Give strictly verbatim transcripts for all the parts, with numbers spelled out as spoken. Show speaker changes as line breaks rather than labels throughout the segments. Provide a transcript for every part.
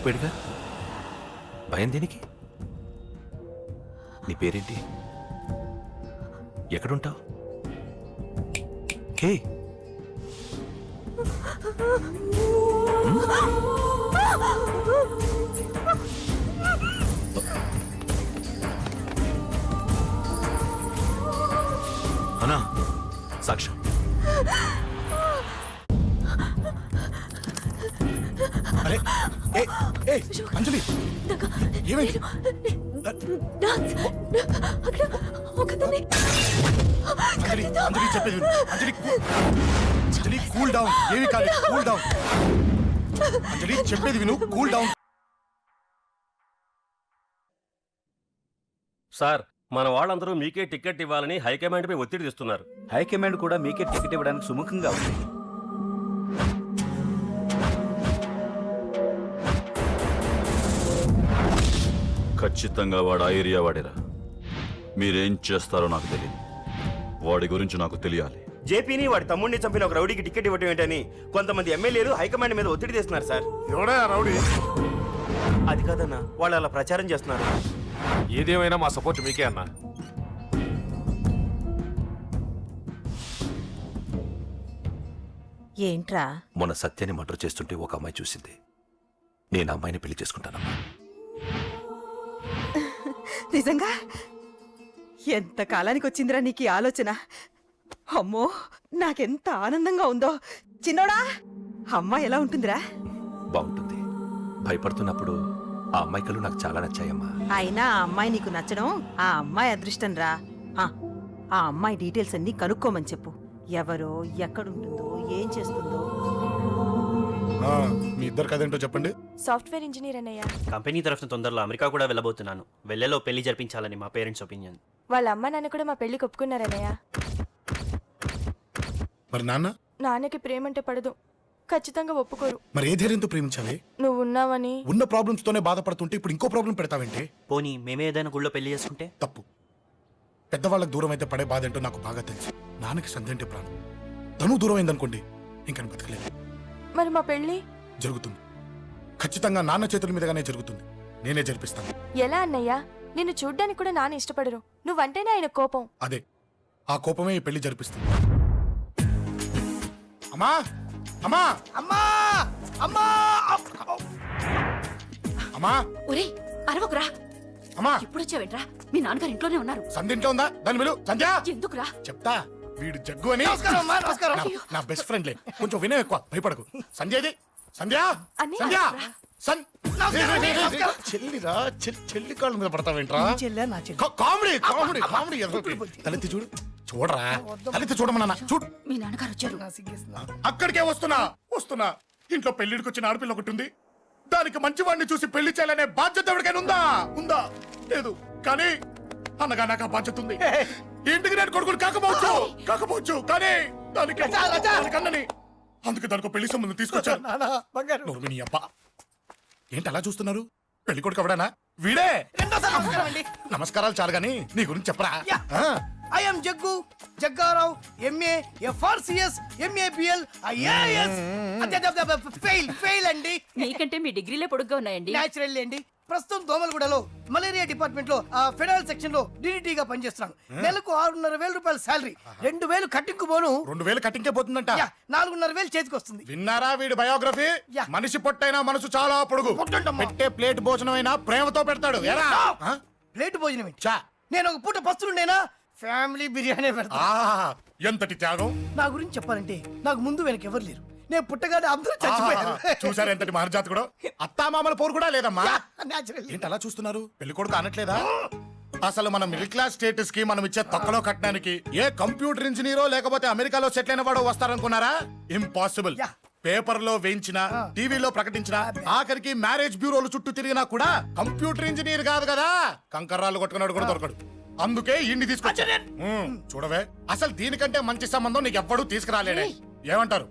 చచ్చిపోయాడుగా, భయం దేనికి? నీ పేరేంటి? ఎక్కడుంటావు? హే, అన్నా సాక్ష్యం.
అరే ఏ ఏ అంజలి ఏమైంది? అంజలి అంజలి చెప్పేది విను. Anjali Anjali cool down. ఏమి కాదు, కూల్ డౌన్. అంజలి చెప్పేది విను, కూల్ డౌన్.
సార్, మన వాళ్ళందరూ మీకే టికెట్ ఇవ్వాలని హైకమాండ్ పై ఒత్తిడి తెస్తున్నారు.
హైకమాండ్ కూడా మీకే టికెట్ ఇవ్వడానికి సుముఖంగా ఉంది.
ఖచ్చితంగా వాడు ఆ ఏరియా వాడేరా. మీరేం చేస్తారో నాకు తెలియదు, వాడి గురించి నాకు తెలియాలి.
జేపీని వాడి తమ్ముడిని చంపిన ఒక రౌడీకి టికెట్ ఇవ్వటం ఏంటని కొంతమంది ఎమ్మెల్యేలు హైకమాండ్ మీద ఒత్తిడి తెస్తున్నారు సార్.
ఎవడా రౌడీ?
అది కాదన్నా, వాళ్ళు అలా ప్రచారం చేస్తున్నారు.
ఏదేమైనా మా సపోర్ట్ మీకే అన్నా.
ఏంట్రా?
మొన్న సత్యాన్ని మర్డర్ చేస్తుంటే ఒక అమ్మాయి చూసింది. నేను అమ్మాయిని పెళ్లి చేసుకుంటానమ్మా.
నిజంగా? ఎంత కాలానికి వచ్చిందిరా నీకు ఈ ఆలోచన? అమ్మో, నాకెంత ఆనందంగా ఉందో. చిన్నోడా, అమ్మాయి ఎలా ఉంటుందిరా?
బాగుంటుంది. భయపడుతున్నప్పుడు ఆ అమ్మాయి కళ్ళు నాకు చాలా నచ్చాయమ్మా.
అయినా ఆ అమ్మాయి నీకు నచ్చడం ఆ అమ్మాయి అదృష్టం రా. ఆ, ఆ అమ్మాయి డీటెయిల్స్ అన్ని కనుక్కోమని చెప్పు. ఎవరో, ఎక్కడుంటుందో, ఏం చేస్తుందో.
మీ ఇద్దరు కదేంటో చెప్పండి.
సాఫ్ట్వేర్ ఇంజనీర్ అన్నయ్య.
కంపెనీ తరఫున తొందరలో అమెరికా కూడా వెళ్ళబోతున్నాను. వెళ్ళేలో పెళ్లి జరిపించాలని మా పేరెంట్స్ ఒపీనియన్.
వాళ్ళ అమ్మ నాన్న కూడా మా పెళ్లికి ఒప్పుకున్నారన్నయ్య.
మరి నాన్న?
నాన్నకి ప్రేమంటే పడదు, ఖచ్చితంగా ఒప్పుకోరు.
మరి ఏ ధైర్యంతో ప్రేమించాలి?
నువ్వు ఉన్నావని.
ఉన్న ప్రాబ్లమ్స్ తోనే బాధపడుతుంటే ఇప్పుడు ఇంకో ప్రాబ్లం పెడతావేంటి?
పోనీ మేమే ఏదైనా గుళ్ళో పెళ్లి చేసుకుంటే?
తప్పు. పెద్దవాళ్ళకి దూరం అయితే పడే బాధ ఏంటో నాకు బాగా తెలుసు. నాన్నకి సంధి అంటే ప్రాణం. తను దూరం అయిందనుకోండి, ఇంకా బతకలేదు.
మరి మా పెళ్లి
జరుగుతుంది. ఖచ్చితంగా నాన్న చేతుల మీదగానే జరుగుతుంది. నేనే జరిపిస్తాను.
ఎలా అన్నయ్య? నిన్ను చూడ్డానికి కూడా నాన్న ఇష్టపడరు, నువ్వంటేనే ఆయన కోపం.
అదే, ఆ కోపమే ఈ పెళ్లి జరిపిస్తుంది. అమ్మా అమ్మా అమ్మా అమ్మా అమ్మా
ఒరేయ్, అరవకురా.
అమ్మా
ఇప్పుడు వచ్చావేంట్రా? మీ నాన్నగారు ఇంట్లోనే ఉన్నారు.
సంధ్య ఇంట్లో ఉందా? దాని విలు. సంధ్య
ఎందుకురా?
చెప్తా. వీడు జగ్గు అని నా- నా బెస్ట్ ఫ్రెండ్లే. కొంచెం వినయం ఎక్కువ, భయపడకు. సంధ్యది. సంధ్య
అన్నయ్య,
సంధ్య
రా.
సన్ చెల్లిరా. చె- చెల్లి కాళ్ళ మీద పడతావేంట్రా? కా- కామెడీ కామెడీ కామెడీ తలెత్తి చూడు. చూడరా, తలెత్తి చూడమన్నా. చూడు,
మీ నాన్నగారు వచ్చారు.
అక్కడికే వస్తున్నా వస్తున్నా ఇంట్లో పెళ్లిడికి వచ్చిన ఆడపిల్ల ఒకటి ఉంది. దానికి మంచివాడిని చూసి పెళ్లి చేయాలనే బాధ్యత ఎవరికైనా ఉందా? ఉందా? లేదు. కానీ అన్నగా నాకు ఆ బాధ్యత ఉంది. ఇంటికి నేను కొడుకుని కాకపోవచ్చు కాకపోవచ్చు కానీ దానికి దానికి అన్నని. అందుకే దానికి పెళ్లి సంబంధం తీసుకొచ్చాను. నోర్మిని అబ్బా, ఏంటి అలా చూస్తున్నారు? పెళ్లి కొడుకు ఎవడానా? వీడే. నమస్కారాలు చాలు గాని నీ గురించి చెప్పరా.
I am Jaggu, Jaggarao, M A, F R C S, M A B L, I A S. Fail fail అండి.
మీకంటే మీ డిగ్రీలే పొడుగ్గా ఉన్నాయండి.
న్యాచురల్ అండి. ప్రస్తుతం దోమలగూడలో మలేరియా డిపార్ట్మెంట్ లో ఆ ఫెడరల్ సెక్షన్ లో డిడిటీగా పనిచేస్తున్నాను. నెలకు ఆరున్నర వేల రూపాయల శాలరీ, రెండు వేలు కట్టింకు పోను.
రెండు వేలు కట్టింకే పోతుందంట.
నాలుగున్నర వేలు చేతికి వస్తుంది.
విన్నారా వీడి బయోగ్రఫీ? మనిషి పొట్టైనా మనసు చాలా పొడుగు. పెట్టే ప్లేట్ భోజనం అయినా ప్రేమతో పెడతాడు.
ప్లేట్ భోజనం ఏంటి? నేను ఒక పూట పస్తులుండేనా? ఫ్యామిలీ బిర్యానీ పెడతా.
ఎంతటి త్యాగం!
నా గురించి చెప్పాలంటే నాకు ముందు వెనక ఎవరు లేరు. నేను పుట్టగానే అందరూ చచ్చిపోయారు.
చూసారు ఎంతటి మహర్జాత్ కూడా. అత్తామామల పోరు కూడా లేదమ్మా. ఏంటి అలా చూస్తున్నారు? పెళ్లి కొడుకు అనట్లేదా? అసలు మన మిడిల్ క్లాస్ స్టేటస్ కి మనం ఇచ్చే తక్కువలో కట్టడానికి ఏ కంప్యూటర్ ఇంజనీరో లేకపోతే అమెరికాలో సెటిల్ అయిన వాడు వస్తారనుకున్నారా? ఇంపాసిబుల్. పేపర్ లో వేయించిన, టీవీలో ప్రకటించిన, ఆఖరికి మ్యారేజ్ బ్యూరోలు చుట్టూ తిరిగినా కూడా కంప్యూటర్ ఇంజనీర్ కాదు కదా, కంకర్రాలు కొట్టుకున్నాడు కూడా దొరకడు. అందుకే ఇండి తీసుకొచ్చా. చూడవే, అసలు దీనికంటే మంచి సంబంధం నీకు ఎవ్వడూ తీసుకురాలేడే. ఏమంటారు?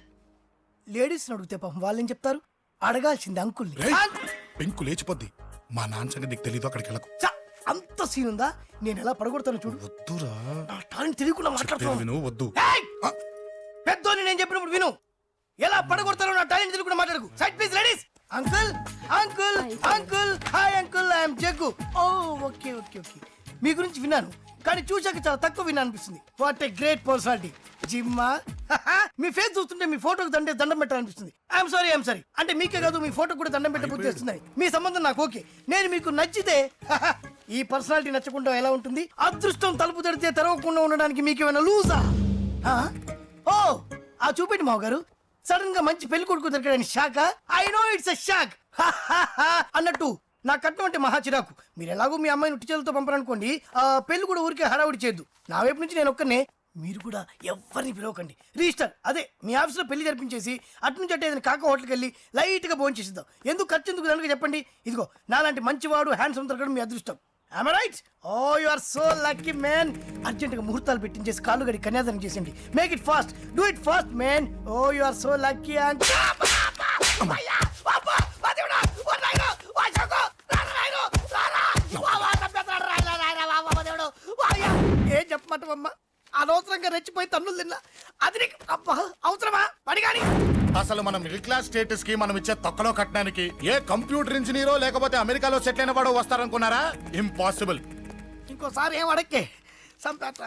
లేడీస్ అడిగితే పాపం వాళ్ళేం చెప్తారు? అడగాల్సింది అంకుల్.
పెంకు లేచిపోద్ది. మా నాన్న సంగతి నీకు తెలీదు, అక్కడికి వెళ్ళకు.
అంత సీన్ ఉందా? నేను ఎలా పడగొడతాను చూడు.
వద్దురా,
నా టాలెంట్ తెలియకుండా మాట్లాడుతున్నాను.
వద్దు.
పెద్దోని నేను చెప్పినప్పుడు విను. ఎలా పడగొడతారో నా టాలెంట్ తెలియకుండా మాట్లాడకు. Side please ladies. Uncle uncle uncle hi uncle I'm Jaggu oh okay okay okay మీ గురించి విన్నాను కానీ చూశాక చాలా తక్కువ విన్నా అనిపిస్తుంది వాట్ ఏ గ్రేట్ పర్సనాలిటీ జిమ్మా మీ ఫేస్ చూస్తుంటే మీ ఫోటోకి దండే దండం పెట్టాలనిపిస్తుంది ఐఎమ్ సారీ ఐఎమ్ సారీ అంటే మీకే కాదు మీ ఫోటో కూడా దండం పెట్టబుద్ధి చేస్తున్నాయి మీ సంబంధం నాకు ఓకే నేను మీకు నచ్చితే ఈ పర్సనాలిటీ నచ్చకుండా ఎలా ఉంటుంది అదృష్టం తలుపు తడితే తెరవకుండా ఉండడానికి మీకేమైనా లూజా ఓ ఆ చూపెట్టి మావ గారు సడన్ గా మంచి పెళ్లి కొడుకు దొరికాడని shock I know it's a shock అన్నట్టు నా కట్నం అంటే మహా చిరాకు మీరు ఎలాగో మీ అమ్మాయిని ఉట్టి చేతులతో పంపరనుకోండి ఆ పెళ్లి కూడా ఊరికే హడావుడి చేయొద్దు నా వైపు నుంచి నేను ఒక్కనే మీరు కూడా ఎవరిని పిలవకండి రిజిస్టర్ అదే మీ ఆఫీస్లో పెళ్లి జరిపించేసి అటు నుంచి అంటే ఏదైనా కాక హోటల్కి వెళ్ళి లైట్ గా భోజనం చేసిద్దాం ఎందుకు ఖర్చు ఎందుకు దానికి చెప్పండి ఇదిగో నాలాంటి మంచివాడు హ్యాండ్సమ్ దొరకడం మీ అదృష్టం I'm right oh you are so lucky man urgent గా ముహూర్తాలు పెట్టించేసి కాళ్ళు గడి కన్యాదానం చేసేయండి make it fast do it fast man oh you are so lucky and ఏం చెప్పమంటావమ్మా అనవసరంగా రెచ్చిపోయి తన్నులు తిన్నా అది నీకు అబ్బా అవసరమా పడిగాని
అసలు మన మిడిల్ క్లాస్ స్టేటస్ కి మనం ఇచ్చే తొక్కలో కట్టడానికి ఏ కంప్యూటర్ ఇంజనీరో లేకపోతే అమెరికాలో సెటిల్ అయిన వాడు వస్తారనుకున్నారా ఇంపాసిబుల్
ఇంకోసారి ఏం అడక్కే సంపేట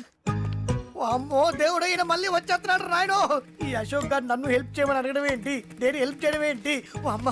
అమ్మో దేవుడు ఈయన మళ్ళీ వచ్చేస్తున్నాడు రాయడు ఈ అశోక్ గారు నన్ను హెల్ప్ చేయమని అడగడం ఏంటి నేను హెల్ప్ చేయడం ఏంటి ఓ అమ్మ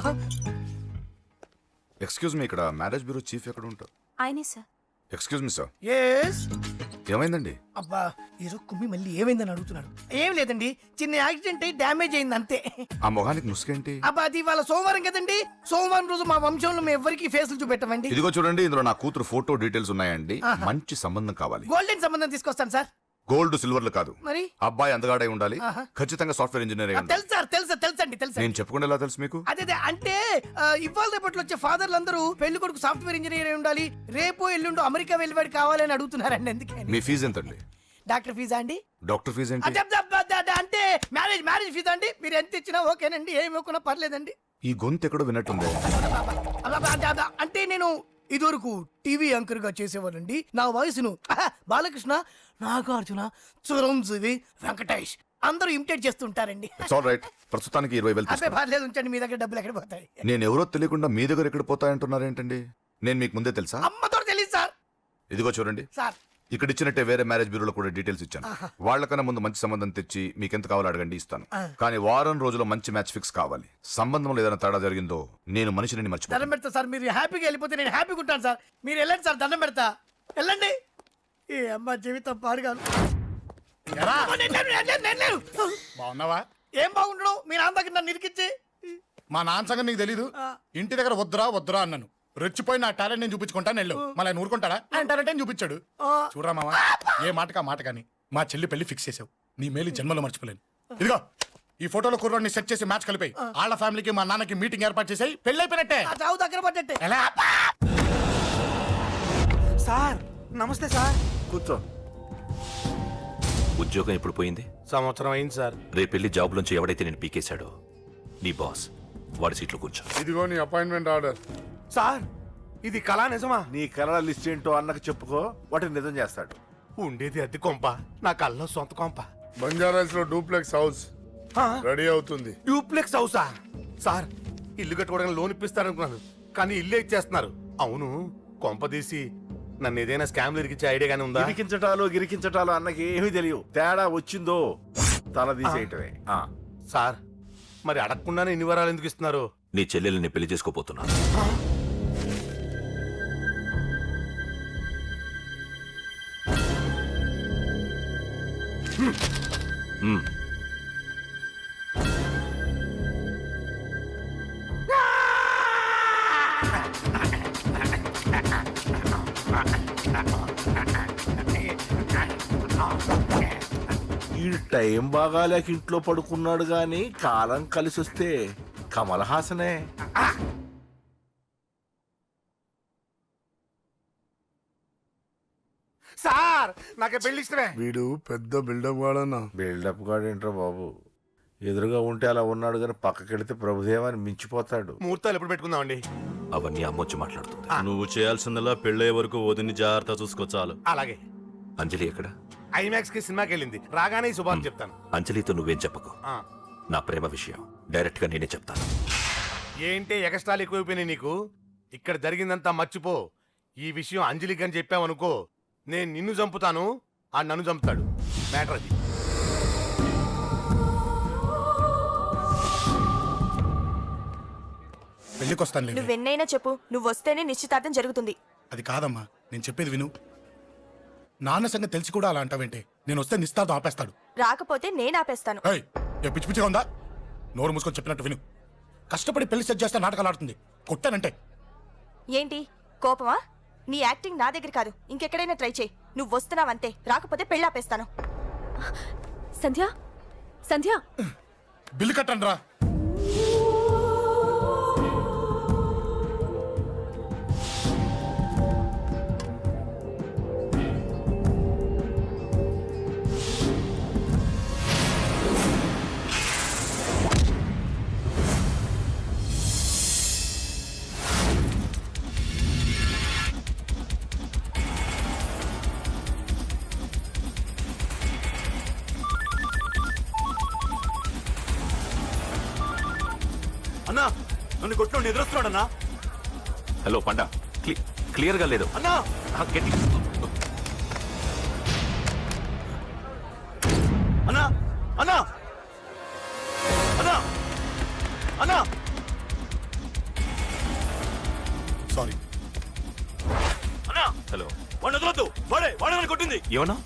ఎక్స్క్యూజ్ మీ ఇక్కడ మ్యారేజ్ బ్యూరో చీఫ్ ఎక్కడ ఉంటారు
ఆయనే sir
excuse me sir
yes
ఏమైందండి
అబ్బా ఈరోజు కుమ్మి మళ్ళీ ఏమైందని అడుగుతున్నాడు ఏం లేదండి చిన్న యాక్సిడెంట్ అయి డ్యామేజ్ అయింది అంతే
ఆ మొహానికి ముసుకేంటి
అబ్బా అది ఇవాళ సోమవారం కదండి సోమవారం రోజు మా వంశంలో మేము ఎవరికి ఫేసులు చూపెట్టమండి
ఇదిగో చూడండి ఇందులో నా కూతురు ఫోటో డీటెయిల్స్ ఉన్నాయండి మంచి సంబంధం కావాలి
గోల్డెన్ సంబంధం తీసుకొస్తాను సార్
గోల్డ్ సిల్వర్లు కాదు
మరి
అబ్బాయి అందగాడై ఉండాలి
ఆహా.
ఖచ్చితంగా సాఫ్ట్వేర్ ఇంజనీర్ అయి ఉండాలి
తెలుసు సార్ తెలుసా తెలుసండి తెలుసా
నేను చెప్పకుండా ఎలా తెలుసు మీకు
అదే అదే అంటే ఆ, ఇవాళ రేపట్లో వచ్చే ఫాదర్లు అందరూ పెళ్లి కొడుకు సాఫ్ట్వేర్ ఇంజనీర్ అయి ఉండాలి రేపు ఎల్లుండు అమెరికా వెళ్ళివాడు కావాలని అడుగుతున్నారండి ఎందుకని
మీ ఫీజు ఎంతండి
డాక్టర్ ఫీజా అండి
డాక్టర్ ఫీజు ఏంటి
అదే, అదే, అదే, అదే, అంటే మ్యారేజ్ మ్యారేజ్ ఫీజా అండి మీరు ఎంత ఇచ్చినా ఓకేనండి ఏమి ఇవ్వకున్నా పర్లేదండి
ఈ గొంతు ఎక్కడో విన్నట్టుంది
అబ్బా, అబ్బా, అబ్బా, అబ్బా, అంటే నేను ఇదివరకు టీవీ యాంకర్ గా చేసేవాడండి నా వయసును ఆహా, బాలకృష్ణ నాగార్జున చిరంజీవి వెంకటేష్ అందరూ ఇమిటేట్ చేస్తుంటారండి
ఇట్స్ ఆల్ రైట్ ప్రస్తుతానికి ఇరవై వేలు
అబ్బే
తీసుకోండి.
పర్లేదు ఉంచండి మీ దగ్గర డబ్బులు ఎక్కడ పోతాయి
నేను ఎవరో తెలియకుండా మీ దగ్గర ఎక్కడ పోతాయంటున్నారు ఏంటండి నేను మీకు ముందే తెలుసా
అమ్మతో తెలియదు సార్
ఇదిగో చూడండి
సార్
ఇక్కడ ఇచ్చినట్టే వేరే మ్యారేజ్ బ్యూరోలో కూడా డీటెయిల్స్ ఇచ్చాను వాళ్ళకన్నా ముందు మంచి సంబంధం తెచ్చి మీకు ఎంత కావాలో అడగండి ఇస్తాను కానీ వారం రోజుల్లో మంచి మ్యాచ్ ఫిక్స్ కావాలి సంబంధంలో ఏదైనా తేడా జరిగిందో నేను మనిషిని
దండం
మర్చిపోతాను
పెడతా సార్ మీరు హ్యాపీగా వెళ్ళిపోతే నేను హ్యాపీగా ఉంటాను సార్ మీరు వెళ్ళండి సార్ దండం పెడతా వెళ్ళండి ఈ అమ్మ జీవితం పాడుగాను
ఎరా
నేను లేను, నేను లేను, నేను లేను.
బాగున్నావా
ఏం బాగుండడం మీ నాన్న దగ్గర నన్ను ఇరికిచ్చి
మా నాన్న సంగతి నీకు తెలీదు ఇంటి దగ్గర వద్దురా వద్దురా అన్నాను రెచ్చిపోయి నా టాలెంట్ నేను చూపించుకుంటాను వెళ్ళు మళ్ళీ ఆయన ఊరుకుంటాడా ఆయన టాలెంట్ అని చూపించాడు చూడరా మావా ఏ మాటకా మాట కానీ మా చెల్లి పెళ్లి ఫిక్స్ చేసావు నీ మేలు జన్మలో మర్చిపోలేను ఇదిగో ఈ ఫోటోలో కుర్రాడిని సెట్ చేసి మ్యాచ్ కలిపాయి వాళ్ళ ఫ్యామిలీకి మా నాన్నకి మీటింగ్ ఏర్పాటు చేసాయి పెళ్లి అయిపోయినట్టే
ఆ చావు దగ్గర పడ్డట్టే
ఎలా
సార్ నమస్తే సార్
కూర్చో ఉద్యోగం ఎప్పుడు పోయింది
సంవత్సరం అయింది సార్
రేపెళ్ళి జాబ్ నుంచి ఎవడైతే నేను పీకేశాడో నీ బాస్ వాడి సీట్లో కూర్చో
ఇదిగో నీ అపాయింట్మెంట్ ఆర్డర్
సార్ ఇది కళా నిజమా
నీ కలల లిస్ట్ ఏంటో అన్నకు చెప్పుకో వాటిని నిజం చేస్తాడు
ఉండేది అద్దె కొంప నా కళ్ళలో సొంత కొంప
బంజారాస్ లో డూప్లెక్స్ హౌస్ రెడీ అవుతుంది
డూప్లెక్స్ హౌసా సార్ ఇల్లు కట్టుకోవడానికి లోన్ ఇప్పిస్తారనుకున్నాను కానీ ఇల్లే ఇచ్చేస్తున్నారు అవును కొంప తీసి నన్ను ఏదైనా స్కామ్ ఇరికిచ్చే ఐడియా గానీ ఉందా
గిరికించటాలు గిరికించటాలు అన్నకి ఏమీ తెలియవు తేడా వచ్చిందో తల తీసేయటమే ఆ.
సార్ మరి అడగకుండానే ఇన్ని వరాలు ఎందుకు ఇస్తున్నారు
నీ చెల్లెల్ని పెళ్లి చేసుకోపోతున్నా హ్మ్.
ఈ టైం బాగాలేక ఇంట్లో పడుకున్నాడు గాని కాలం కలిసి వస్తే కమల్ హాసనే
సార్ నాకే పెళ్లి ఇష్టమే
వీడు పెద్ద బిల్డప్ వాడన్నా
బిల్డప్ గాడేంట్రా బాబు ఎదురుగా ఉంటే అలా ఉన్నాడు కానీ పక్కకెడితే ప్రభుదేవాన్ని మించిపోతాడు
ముహూర్తాలు ఎప్పుడు పెట్టుకుందామండి
అవన్నీ అమ్మొచ్చి మాట్లాడుతుంది
నువ్వు చేయాల్సిందల్లా పెళ్ళే వరకు వదిని జాగ్రత్త చూసుకో చాలు
అలాగే
అంజలి ఎక్కడ
ఐమాక్స్ కి సినిమాకి వెళ్ళింది రాగానే ఈ శుభాన్ని చెప్తాను
అంజలితో నువ్వేం చెప్పకు
ఆ.
నా ప్రేమ విషయం డైరెక్ట్ గా నేనే చెప్తాను
ఏంటి ఎక్స్ట్రాలు ఎక్కువైపోయినాయి నీకు? ఇక్కడ జరిగిందంతా మర్చిపో. ఈ విషయం అంజలికి అని చెప్పావనుకో, నేను నిన్ను చంపుతాను, ఆ నన్ను చంపుతాడు. మ్యాటర్ అది.
పెళ్లికి వస్తాను.
నువ్వెన్నైనా చెప్పు, నువ్వు వస్తేనే నిశ్చితార్థం జరుగుతుంది.
అది కాదమ్మా, నేను చెప్పేది విను. నాన్న సంగతి తెలిసి కూడా అలా అంటావేంటి? నేను వస్తే నిస్తార్థం ఆపేస్తాడు.
రాకపోతే నేను ఆపేస్తాను.
ఏయ్, ఏ పిచ్చి పిచ్చిగా ఉందా? నోరు మూసుకొని చెప్పినట్టు విను. కష్టపడి పెళ్లి సెట్ చేస్తే నాటకాలు ఆడుతుంది. కొట్టానంటే
ఏంటి కోపమా? నీ యాక్టింగ్ నా దగ్గర కాదు, ఇంకెక్కడైనా ట్రై చేయి. నువ్వు వస్తున్నావంతే, రాకపోతే పెళ్ళి ఆపేస్తాను. సంధ్య, సంధ్య,
బిల్లు కట్టండి రా.
అన్నా నన్ను కొట్టు ఎదురొస్తున్నాడు అన్నా.
హలో పండా, క్లి క్లియర్గా లేదు.
అన్నా
ఆ, గట్టి
అన్నా అన్నా అన్నా అన్నా
సారీ.
అన్నా
హలో,
వాడిని వదలొద్దు. వాడే వాడే నన్ను కొట్టింది.
ఏమన్నా?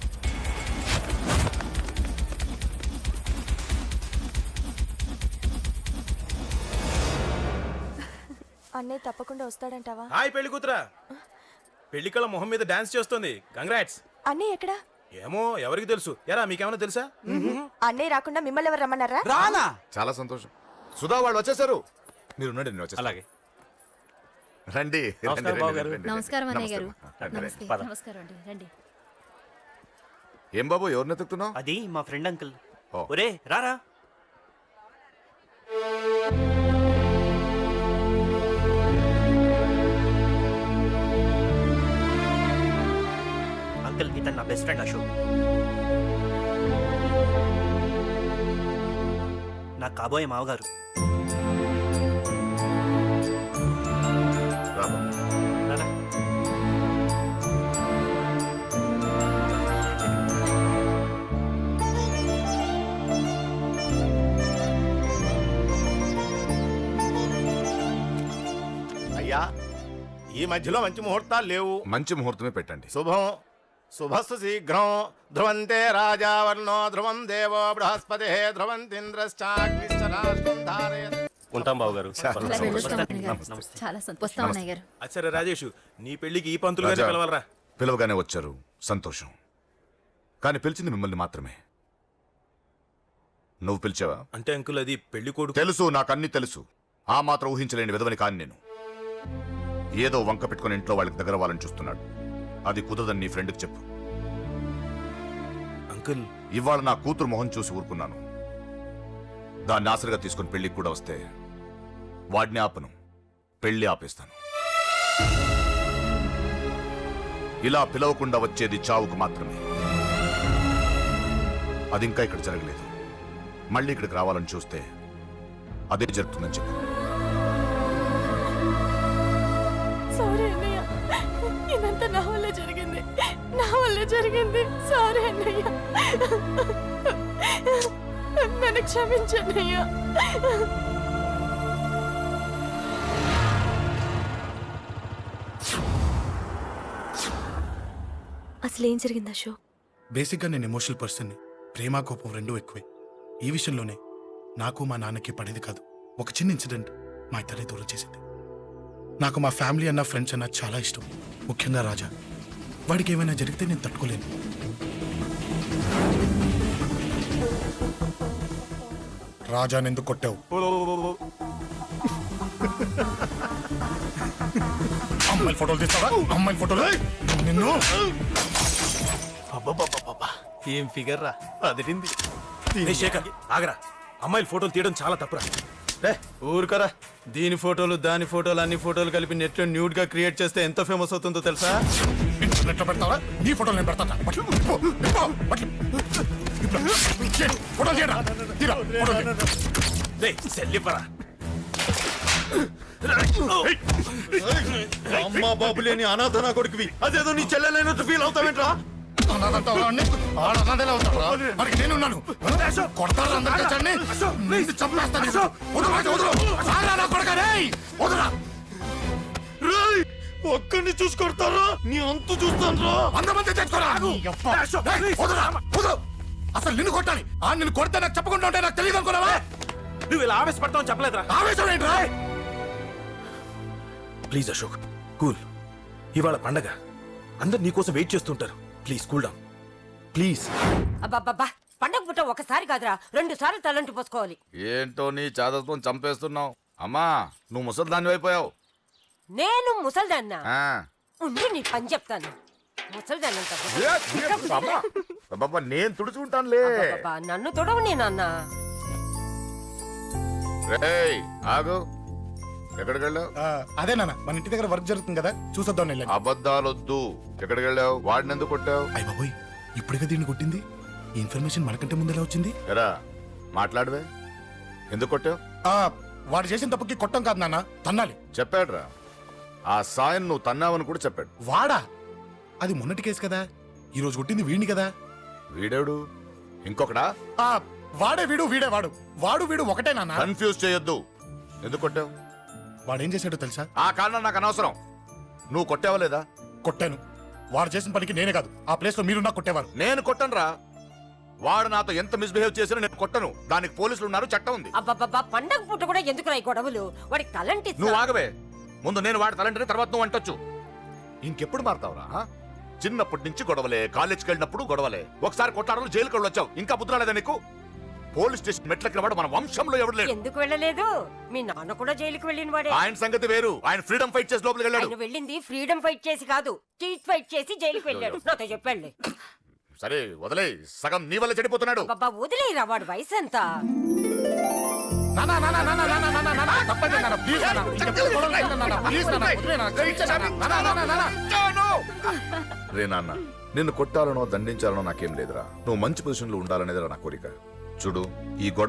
అన్నయ్య తప్పకుండా వస్తాడంటావా?
హాయ్ పెళ్లి కూతురా. పెళ్లి కళ మొహం మీద డాన్స్ చేస్తుంది. కంగ్రాట్స్.
అన్నయ్య ఎక్కడా?
ఏమో ఎవరికి తెలుసు. ఎరా మీకేమైనా తెలుసా?
అన్నయ్య రాకుండా మిమ్మల్ని ఎవరు రమ్మన్నారా?
రానా? చాలా సంతోషం. సుధా వాళ్ళు వచ్చేసారు. మీరు ఉండండి, నేను వచ్చేస్తాను.
అలాగే.
రండి.
నమస్కారం బాబు గారు.
నమస్కారం అన్నయ్య గారు.
నమస్తే.
పద.
నమస్కారం అండి, రండి.
ఏం బాబు, ఎవరిని ఎత్తుకుతున్నావు?
అది మా ఫ్రెండ్ అంకుల్.
ఓ.
ఒరే రారా. అంకుల్, ఇతను నా బెస్ట్ ఫ్రెండ్ అశోక్. నా కాబోయే మావగారు.
రా బాబు.
రారా.
అయ్యా, ఈ మధ్యలో మంచి ముహూర్తాలు లేవు.
మంచి ముహూర్తమే పెట్టండి.
శుభం శుభస్సు శీఘ్రం. ధ్రువంతే రాజావర్ణో ధ్రువం దేవో బృహస్పతి ధ్రువంతింద్రశ్చాగ్నిశ్చరాష్ట్రం ధారయత్.
ఉంటాం బాబు గారు.
నమస్తే.
చాలా సంతోషం అన్నయ్య గారు.
అచ్చరే రాజేష్, నీ పెళ్లికి ఈ పంతులు గారిని
రాజా,
పిలవాలరా.
పిలవగానే వచ్చారు, సంతోషం. కానీ పిలిచింది మిమ్మల్ని మాత్రమే. నువ్వు పిలిచావా?
అంటే అంకుల్, అది పెళ్లి కొడుకు.
తెలుసు, నాకు అన్ని తెలుసు. ఆ మాత్రం ఊహించలేని విధవని కాని నేను. ఏదో వంక పెట్టుకుని ఇంట్లో వాళ్ళకి దగ్గర వాళ్ళని చూస్తున్నాడు. అది కుదరదని నీ ఫ్రెండ్కి చెప్పు.
అంకుల్,
ఇవాళ నా కూతురు మొహం చూసి ఊరుకున్నాను. దాన్ని ఆసరిగా తీసుకుని పెళ్లికి కూడా వస్తే వాడిని ఆపను, పెళ్లి ఆపేస్తాను. ఇలా పిలవకుండా వచ్చేది చావుకు మాత్రమే. అది ఇంకా ఇక్కడ జరగలేదు. మళ్ళీ ఇక్కడికి రావాలని చూస్తే అదే జరుగుతుందని చెప్పు.
సారీ అన్నయ్య, ఇదంతా నా వల్ల జరిగింది, నా వల్ల జరిగింది. సారీ అన్నయ్య, నన్ను క్షమించన్నయ్య. అసలు ఏం జరిగింది అశోక్?
బేసిక్గా నేను ఎమోషనల్ పర్సన్ని. ప్రేమ కోపం రెండూ ఎక్కువే. ఈ విషయంలోనే నాకు మా నాన్నకి పడేది కాదు. ఒక చిన్న ఇన్సిడెంట్ మా ఇద్దరిని దూరం చేసింది. నాకు మా ఫ్యామిలీ అన్న ఫ్రెండ్స్ అన్న చాలా ఇష్టం, ముఖ్యంగా రాజా. వాడికి ఏమైనా జరిగితే నేను తట్టుకోలేను. రాజాని ఎందుకు కొట్టావు? అమ్మాయిల ఫోటోలు తీస్తావా? అమ్మాయిల ఫోటోలు నిన్ను.
ఏం ఫిగర్ రా, అదిరింది. శేఖర్ ఆగరా, అమ్మాయిల ఫోటోలు తీయడం చాలా తప్పురా.
ఊరుకరా. దీని ఫోటోలు దాని ఫోటోలు అన్ని ఫోటోలు కలిపి నెట్ లో న్యూడ్ గా క్రియేట్ చేస్తే ఎంత ఫేమస్ అవుతుందో తెలుసా?
ఇంటర్నెట్ లో పెడతావా? నీ ఫోటోలు నేను పెడతా. ఫోటోలు తీయరా, తీరా, ఫోటోలు తీయరా.
సెల్లిపరా.
అమ్మా బాబు లేని అనాథ నా కొడుకువి అదేదో నీ చెల్లెలైనట్టు ఫీల్ అవుతావేంట్రా
అనాథంతా వాడిని, వాడు అనాథలే అవుతాడురా. వాడికి నేనున్నాను. కొడతారు అందరూ తెచ్చండి. నిన్ను చంపేస్తాను. వదరు వాడిని, వదరు. సారా నా కొడుకా, రేయ్. వదరురా.
రేయ్, ఒక్కడిని చూసుకొడతారా నీ అంతు చూస్తాను
వంద మంది తెచ్చుకోరా. నీ యప్ప. రేయ్, వదరురా, వదరు. అసలు నిన్ను కొట్టాలి. ఆ నిన్ను కొడితే నాకు చెప్పకుండా ఉంటే నాకు తెలియదు అనుకున్నావా?
నువ్వు ఇలా ఆవేశపడతావు చెప్పలేదురా.
ఆవేశం ఏంట్రా?
Please Ashok cool. ఇవాళ పండగ, అందరు నీకోసం వెయిట్ చేస్తుంటారు. Please cool down please.
అబ్బబ్బబ్బా పండగ పుట్ట ఒకసారి కాదురా రెండు సార్లు తలంటి పోసుకోవాలి.
ఏంటో నీ చాదత్వం చంపేస్తున్నావు. అమ్మా నువ్వు ముసలిదాన్ని అయిపోయావు.
నేను ముసల్దాన్నా
ఆ.
ఉండి నీ పని చెప్తాను. ముసల్దాన్నంత
ఏ, ఏ, అమ్మా. అబ్బబ్బా, నేను తుడుచుకుంటానులే.
అబ్బబ్బబ్బా, నన్ను తొడవు నేనన్నా.
రేయ్ ఆగు. ఎక్కడికి వెళ్ళావు?
ఆ, అదే నాన్న మన ఇంటి దగ్గర వర్క్ జరుగుతుంది కదా, చూసొద్దాం వెళ్ళండి.
అబద్ధాలొద్దు. ఎక్కడికి వెళ్ళావు? వాడిని ఎందుకు కొట్టావు?
అయ్య బాబోయ్, ఇప్పుడుగా దీన్ని కొట్టింది. ఈ ఇన్ఫర్మేషన్ మనకంటే ముందు ఎలా వచ్చింది?
ఎరా మాట్లాడవే. ఎందుకు కొట్టావు?
ఆ, వాడు చేసిన తప్పుకి కొట్టం కాదు నాన్న, తన్నాలి.
చెప్పాడురా. ఆ సాయం నువ్వు తన్నావని కూడా చెప్పాడు.
వాడా? అది మొన్నటి కేసు కదా, ఈ రోజు కొట్టింది వీడిని కదా.
వీడేడు ఇంకొకడా?
ఆ, వాడే వీడు, వీడే వాడు. వాడు వీడు ఒకటే నాన్న.
కన్ఫ్యూజ్ చేయొద్దు. ఎందుకు కొట్టావు?
వాడేం చేశాడో తెలుసా?
ఆ కారణం నాకు అనవసరం. నువ్వు కొట్టావా లేదా?
కొట్టాను. వాడు చేసిన పనికి నేనే కాదు, ఆ ప్లేస్ లో మీరున్నా కొట్టేవారు.
నేను కొట్టనురా. వాడు నాతో ఎంత మిస్బిహేవ్ చేసినా నేను కొట్టను. దానికి పోలీసులు ఉన్నారు, చట్టం ఉంది.
అబ్బబ్బబ్బా పండగ పుట్ట కూడా ఎందుకు రాయి గొడవలు? వాడికి తలంటి
నువ్వు ఆగవే. ముందు నేను వాడి తలంటే తర్వాత నువ్వు అంటొచ్చు. ఇంకెప్పుడు మారుతావురా? ఆ? చిన్నప్పటి నుంచి గొడవలే, కాలేజ్కి వెళ్ళినప్పుడు గొడవలే. ఒకసారి కొట్టాడలో జైలుకి వెళ్ళి వచ్చావు. ఇంకా బుద్ధి రాలేదా నీకు? పోలీస్ స్టేషన్ మెట్లకి వాడు మన వంశంలో ఎవడు లేడు.
ఎందుకు వెళ్ళలేదు? మీ నాన్న కూడా జైలుకి వెళ్ళిన వాడే.
ఆయన సంగతి వేరు. ఆయన ఫ్రీడమ్ ఫైట్ చేసి లోపలికి వెళ్ళాడు.
ఆయన వెళ్ళింది ఫ్రీడమ్ ఫైట్ చేసి కాదు, చీట్ ఫైట్ చేసి జైలుకి వెళ్ళాడు. నాతో చెప్పండి.
సరే వదిలే. సగం నీ వల్ల చెడిపోతున్నాడు.
బాబా వదిలేరా, వాడు వయసు ఎంత?
నాన్న, నాన్న, నాన్న, నాన్న, నాన్న, నాన్న, తప్పండి నాన్న, ప్లీజ్ నాన్న. ఇంకెప్పుడు గొడవలు చేయను నాన్న, ప్లీజ్ నాన్న, వదిలే నాన్న, క్షమించు నాన్న. నాన్న, నాన్న, నాన్న.
రే నాన్న, నిన్ను కొట్టాలనో దండించాలనో నాకేం లేదురా. నువ్వు మంచి పొజిషన్ లో ఉండాలనేదిరా నా కోరిక. చూడు, ఈ గొడవ